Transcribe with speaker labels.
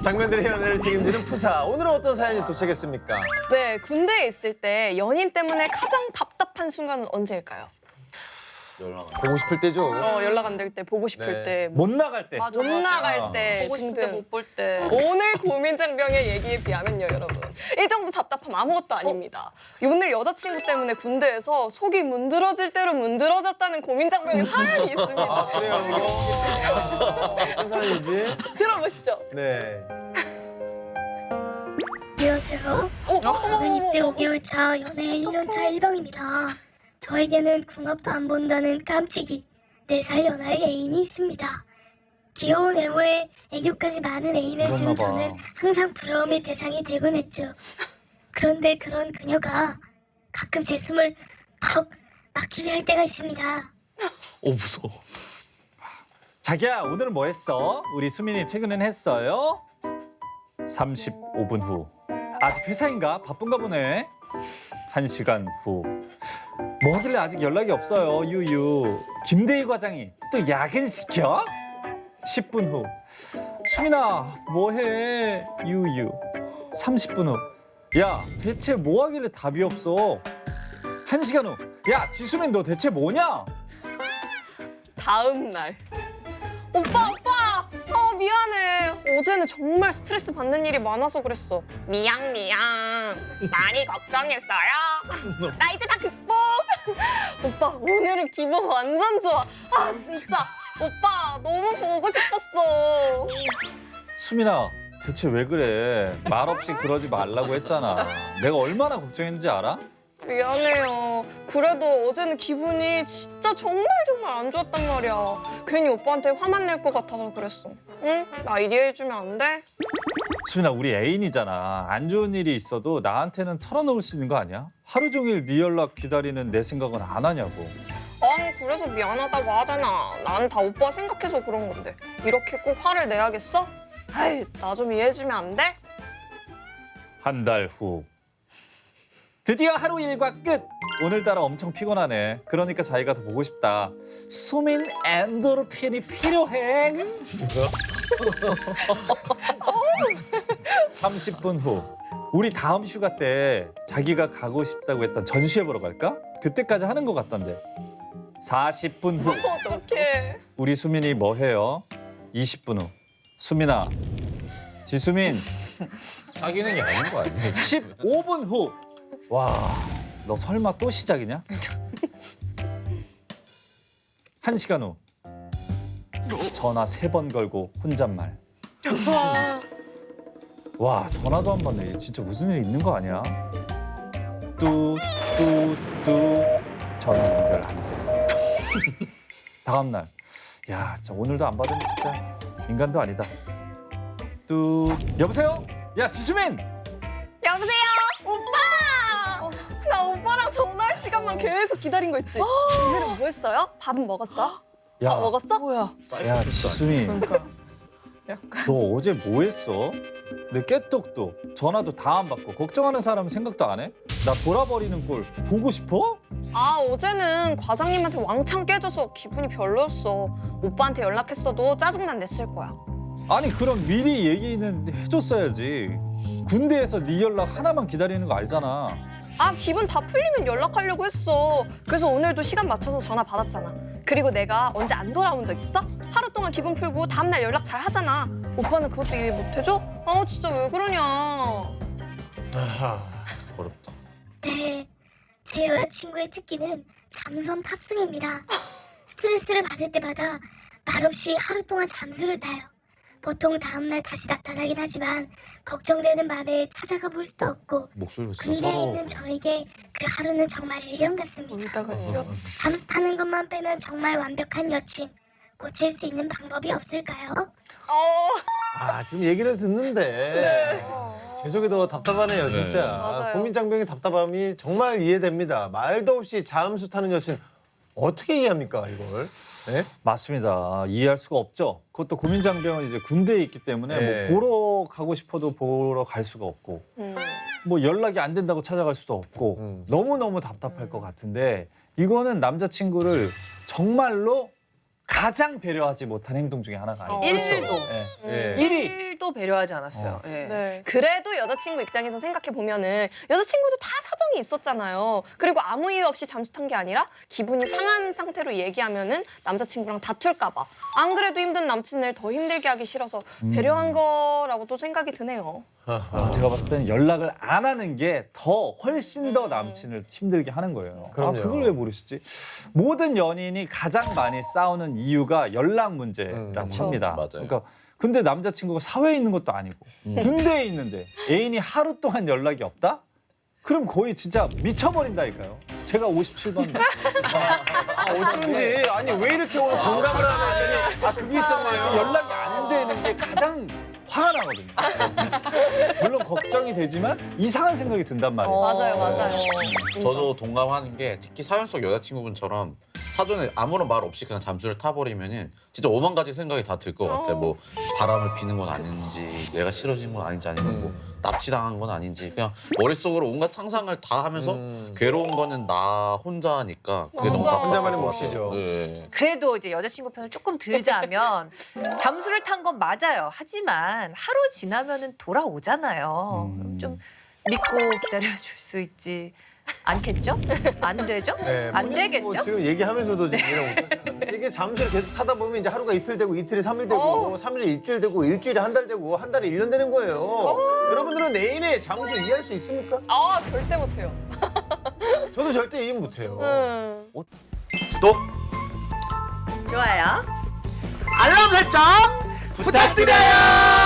Speaker 1: 장면들의 연애를 책임지는 푸사. 오늘은 어떤 사연이 도착했습니까?
Speaker 2: 네, 군대에 있을 때 연인 때문에 가장 답답한 순간은 언제일까요?
Speaker 1: 보고 싶을 때죠.
Speaker 2: 연락 안 될 때, 보고 싶을
Speaker 1: 네.
Speaker 2: 때,
Speaker 3: 못 나갈 때.
Speaker 2: 못 나갈 때,
Speaker 4: 보고 싶을 때
Speaker 2: 등등.
Speaker 4: 못 볼 때.
Speaker 2: 오늘 고민장병의 얘기에 비하면요, 여러분. 이 정도 답답함 아무것도 아닙니다. 오늘 여자친구 때문에 군대에서 속이 문드러질 대로 문드러졌다는 고민장병의 사연이 있습니다.
Speaker 1: 그래요. 어떤 사연이지?
Speaker 2: 들어보시죠.
Speaker 1: 네.
Speaker 5: 안녕하세요. 저는 입대 5개월 차 연애 1년 차 일병입니다. 저에게는 궁합도 안 본다는 깜찍이 4살 연하의 애인이 있습니다. 귀여운 외모에 애교까지 많은 애인을 둔
Speaker 3: 그렇나 봐.
Speaker 5: 저는 항상 부러움의 대상이 되곤 했죠. 그런데 그런 그녀가 가끔 제 숨을 턱 막히게 할 때가 있습니다.
Speaker 1: 무서워.
Speaker 3: 자기야, 오늘은 뭐 했어? 우리 수민이 퇴근은 했어요? 35분 후. 아직 회사인가? 바쁜가 보네. 1시간 후. 뭐 하길래 아직 연락이 없어요, 유유. 김대희 과장이 또 야근시켜? 10분 후. 수민아, 뭐해? 유유. 30분 후. 야, 대체 뭐 하길래 답이 없어? 1시간 후. 야, 지수민 너 대체 뭐냐?
Speaker 2: 다음 날. 오빠! 미안해. 어제는 정말 스트레스 받는 일이 많아서 그랬어. 미안. 많이 걱정했어요. 나 이제 다 극복. 오빠, 오늘은 기분 완전 좋아. 아, 진짜. 오빠, 너무 보고 싶었어.
Speaker 3: 수민아, 대체 왜 그래? 말 없이 그러지 말라고 했잖아. 내가 얼마나 걱정했는지 알아?
Speaker 2: 미안해요. 그래도 어제는 기분이 진짜 정말 안 좋았단 말이야. 괜히 오빠한테 화만 낼 것 같아서 그랬어. 응? 나 이해해주면 안 돼?
Speaker 3: 수민아, 우리 애인이잖아. 안 좋은 일이 있어도 나한테는 털어놓을 수 있는 거 아니야? 하루 종일 네 연락 기다리는 내 생각은 안 하냐고.
Speaker 2: 아니, 그래서 미안하다고 하잖아. 난 다 오빠 생각해서 그런 건데. 이렇게 꼭 화를 내야겠어? 아이, 나 좀 이해해주면 안 돼?
Speaker 3: 한 달 후. 드디어 하루 일과 끝! 오늘따라 엄청 피곤하네. 그러니까 자기가 더 보고 싶다. 수민 엔도르핀이 필요해. 30분 후. 우리 다음 휴가 때 자기가 가고 싶다고 했던 전시회 보러 갈까? 그때까지 하는 것 같던데. 40분 후.
Speaker 2: 어떡해.
Speaker 3: 우리 수민이 뭐 해요? 20분 후. 수민아. 지수민.
Speaker 1: 사귀는 게 아닌 거 아니에요?
Speaker 3: 15분 후. 와, 너 설마 또 시작이냐? 1시간 후. 전화 3번 걸고 혼잣말. 와, 전화도 안 받네. 진짜 무슨 일 있는 거 아니야? 전화 연결 안 돼. 다음 날. 야, 진짜 오늘도 안 받으면 진짜 인간도 아니다. 여보세요? 야, 지수민!
Speaker 2: 여보세요? 오빠! 나 오빠랑 전화할 시간만 계속 기다린 거 있지? 오늘은 뭐 했어요? 밥은 먹었어?
Speaker 3: 야,
Speaker 2: 먹었어?
Speaker 4: 뭐야?
Speaker 3: 야, 지수민. 너 어제 뭐 했어? 내 깨똑도 전화도 다 안 받고 걱정하는 사람 생각도 안 해? 나 돌아버리는 꼴 보고 싶어?
Speaker 2: 아, 어제는 과장님한테 왕창 깨져서 기분이 별로였어. 오빠한테 연락했어도 짜증만 냈을 거야.
Speaker 3: 아니 그럼 미리 얘기는 해줬어야지. 군대에서 네 연락 하나만 기다리는 거 알잖아.
Speaker 2: 아, 기분 다 풀리면 연락하려고 했어. 그래서 오늘도 시간 맞춰서 전화 받았잖아. 그리고 내가 언제 안 돌아온 적 있어? 하루 동안 기분 풀고 다음날 연락 잘 하잖아. 오빠는 그것도 이해 못 해줘? 아, 진짜 왜 그러냐.
Speaker 1: 아하, 어렵다.
Speaker 5: 네, 제 여자친구의 특기는 잠수함 탑승입니다. 스트레스를 받을 때마다 말없이 하루 동안 잠수를 타요. 보통 다음날 다시 나타나긴 하지만 걱정되는 마음에 찾아가 볼 수도 없고
Speaker 1: 목소리가 진짜
Speaker 5: 군대에
Speaker 1: 서러워.
Speaker 5: 있는 저에게 그 하루는 정말 일년 같습니다.
Speaker 4: 울다가 쉬어.
Speaker 5: 잠수 타는 것만 빼면 정말 완벽한 여친. 고칠 수 있는 방법이 없을까요?
Speaker 1: 지금 얘기를 듣는데 제 속이 더 답답하네요, 진짜.
Speaker 2: 맞아요.
Speaker 1: 고민장병의 답답함이 정말 이해됩니다. 말도 없이 잠수 타는 여친 어떻게 이해합니까, 이걸? 네?
Speaker 3: 맞습니다. 이해할 수가 없죠. 그것도 고민장병은 이제 군대에 있기 때문에
Speaker 1: 네.
Speaker 3: 뭐 보러 가고 싶어도 보러 갈 수가 없고 뭐 연락이 안 된다고 찾아갈 수도 없고 너무너무 답답할 것 같은데 이거는 남자친구를 정말로 가장 배려하지 못한 행동 중에 하나가 아니에요.
Speaker 4: 일도.
Speaker 3: 예.
Speaker 1: 예.
Speaker 3: 1위
Speaker 4: 또 배려하지 않았어요. 예.
Speaker 2: 네. 그래도 여자친구 입장에서 생각해 보면은 여자친구도 다 사정이 있었잖아요. 그리고 아무 이유 없이 잠수 탄 게 아니라 기분이 상한 상태로 얘기하면은 남자친구랑 다툴까 봐. 안 그래도 힘든 남친을 더 힘들게 하기 싫어서 배려한 거라고 또 생각이 드네요.
Speaker 3: 제가 봤을 때는 연락을 안 하는 게 더 훨씬 더 남친을 힘들게 하는 거예요.
Speaker 1: 그럼요.
Speaker 3: 그걸 왜 모르시지? 모든 연인이 가장 많이 싸우는 이유가 연락 문제라고
Speaker 2: 그쵸.
Speaker 3: 합니다.
Speaker 6: 맞아요.
Speaker 3: 그러니까 근데 남자친구가 사회에 있는 것도 아니고 군대에 있는데 애인이 하루 동안 연락이 없다? 그럼 거의 진짜 미쳐버린다니까요. 제가 57번.
Speaker 1: 어쩐지 아니 왜 이렇게 오늘 공감을 하나 했더니 그게 있었네요.
Speaker 3: 연락이 안 되는 게 가장 화가 나거든요. 물론 걱정이 되지만 이상한 생각이 든단 말이에요.
Speaker 2: 맞아요, 맞아요.
Speaker 6: 저도 동감하는 게 특히 사연 속 여자친구분처럼 사전에 아무런 말 없이 그냥 잠수를 타버리면은 진짜 오만 가지 생각이 다 들 것 같아요. 뭐 바람을 피는 건 아닌지, 내가 싫어진 건 아닌지, 아니면 뭐 납치당한 건 아닌지, 그냥 머릿속으로 온갖 상상을 다 하면서 괴로운 거는 나 혼자니까 그게 너무 답답할
Speaker 1: 혼자만의
Speaker 6: 것 같아요.
Speaker 1: 몫이죠.
Speaker 6: 네.
Speaker 4: 그래도 이제 여자친구 편을 조금 들자면 잠수를 탄 건 맞아요. 하지만 하루 지나면은 돌아오잖아요. 그럼 좀 믿고 기다려줄 수 있지 않겠죠? 안 되죠?
Speaker 1: 네,
Speaker 4: 안
Speaker 1: 본인은
Speaker 4: 되겠죠?
Speaker 1: 뭐 지금 얘기하면서도 지금 이해를 못하죠. 이게 잠수를 계속 타다 보면 이제 하루가 이틀 되고 이틀이 3일 되고 3일이 일주일 되고 일주일이 한 달 되고 한 달이 1년 되는 거예요. 여러분들은 애인의 잠수 이해할 수 있습니까?
Speaker 2: 아, 절대 못해요.
Speaker 1: 저도 절대 이해 못해요.
Speaker 7: 구독, 좋아요, 알람 설정 부탁드려요.